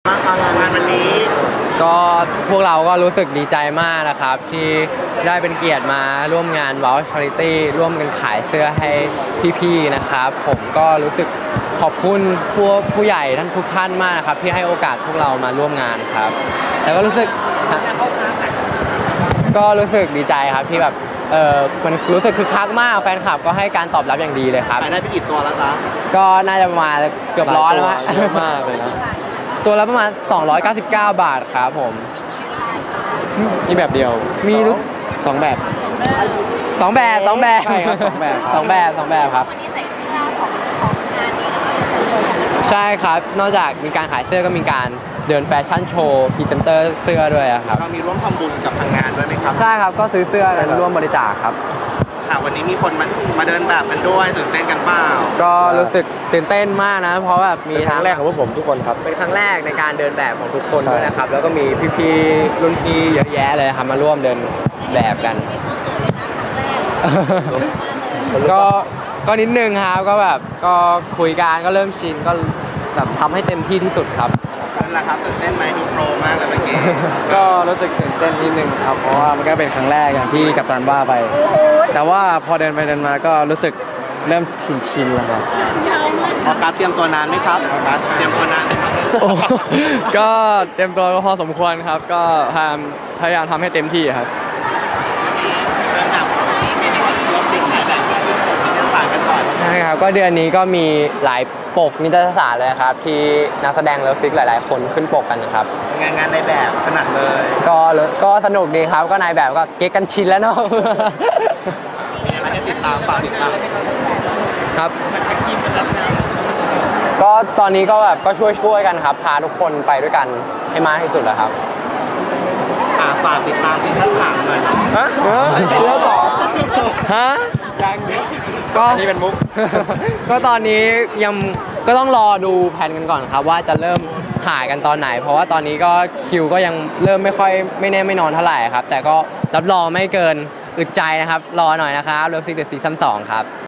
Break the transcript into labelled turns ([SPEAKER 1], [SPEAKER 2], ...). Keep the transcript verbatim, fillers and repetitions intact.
[SPEAKER 1] งานวันนี้
[SPEAKER 2] ก็พวกเราก็รู้สึกดีใจมากนะครับที่ได้เป็นเกียรติมาร่วมงาน Wow Charity ร่วมกันขายเสื้อให้พี่ๆนะครับผมก็รู้สึกขอบคุณผู้ผู้ใหญ่ท่านทุกท่านมากครับที่ให้โอกาสพวกเรามาร่วมงานครับแล้วก็รู้สึกก็รู้สึกดีใจครับที่แบบเออมันรู้สึกคึกคักมากแฟนคลับก็ให้การตอบรับอย่างดีเลยครับ
[SPEAKER 1] ขายได้ไปกี่ตัวแล้วจ๊ะ
[SPEAKER 2] ก็น่าจะประมาณเกือบร้อยแล้ว
[SPEAKER 3] เยอะมากเลยนะ
[SPEAKER 2] ตัวละประมาณสองร้อยเก้าสิบเก้าบาทครับผม
[SPEAKER 3] นี่แบบเดียว
[SPEAKER 2] มี
[SPEAKER 3] สองแบบ
[SPEAKER 2] สองแบบสองแบบ
[SPEAKER 3] ใช่ครับสองแบบ
[SPEAKER 2] สองแบบสองแบบครับ
[SPEAKER 4] วันนี้ใส่เสื้อของของงานนี้แล้วก็เป็นของ
[SPEAKER 2] ใช่ครับนอกจากมีการขายเสื้อก็มีการเดินแฟชั่นโชว์พรีเซนเตอร์เสื้อด้วยครับ
[SPEAKER 1] เรามีร่วมทำบุญกับทางงานด้วยไหมครับ
[SPEAKER 2] ใช่ครับก็ซื้อเสื้อกันร่วมบริจาคครับ
[SPEAKER 1] ค่ะวันนี้มีคนมามาเดินแบบกันด้วยตื่นเต้นกันเปล่า
[SPEAKER 2] ก็รู้สึกตื่นเต้นมากนะเพราะแบบมี
[SPEAKER 3] ครั้งแรกของพวกผมทุกคนครับ
[SPEAKER 2] เป็นครั้งแรกในการเดินแบบของทุกคนด้วยนะครับแล้วก็มีพี่ๆรุ่นพี่เยอะแยะเลยครับมาร่วมเดินแบบกันก็ก็นิดนึงครับก็แบบก็คุยกันก็เริ่มชินก็แบบทำให้เต็มที่ที่สุดครับ
[SPEAKER 1] นั่นแหละครับตื่นเต้นไหมดูโปรมากเลยเมื่อกี้
[SPEAKER 3] ก็รู้สึกตื่นเต้นนิดนึงครับเพราะว่ามันก็เป็นครั้งแรกอย่างที่กัปตันว่าไปแต่ว่าพอเดินไปเดินมาก็รู้สึกเริ่มชินชินแล้วครับ
[SPEAKER 1] ออกัสเตรียมตัวนานไหมครับออกัสเตรียมตัวนานไหมครับ
[SPEAKER 2] ก็เตรียมตัวพอสมควรครับก็พยายามพยายามทำให้เต็มที่ครับ
[SPEAKER 1] เดินแบบมีนวัตกรรมสิ่งขายแบบที่ผมมีเนื้อสารกันก่อน
[SPEAKER 2] ใช่ครับก็เดือนนี้ก็มีหลายปกนิตยสารเลยครับที่นักแสดงเลิฟซิกหลายๆคนขึ้นปกกันนะครับ
[SPEAKER 1] งานงานในแบบขนาดเลย
[SPEAKER 2] ก็ก็สนุกดีครับก็นายแบบก็เก๊กกันชินแล้วเนาะ
[SPEAKER 1] มีอะไรให้ติดตามฝากติดตาม
[SPEAKER 2] ครับก็ตอนนี้ก็แบบก็ช่วยช่วยกันครับพาทุกคนไปด้วยกันให้มากที่สุดแล้วครับ
[SPEAKER 1] ฝากติดตามซีซั่นสามหน่อย
[SPEAKER 2] ฮะซีซั่นสองฮะยังก็
[SPEAKER 3] นี่เป็นมุก
[SPEAKER 2] ก็ตอนนี้ยังก็ต้องรอดูแผนกันก่อนครับว่าจะเริ่มถ่ายกันตอนไหนเพราะว่าตอนนี้ก็คิวก็ยังเริ่มไม่ค่อยไม่แน่ไม่นอนเท่าไหร่ครับแต่ก็รับรองไม่เกินอึดใจนะครับรอหน่อยนะครับเลิฟซิกเดอะซีซั่นสองครับ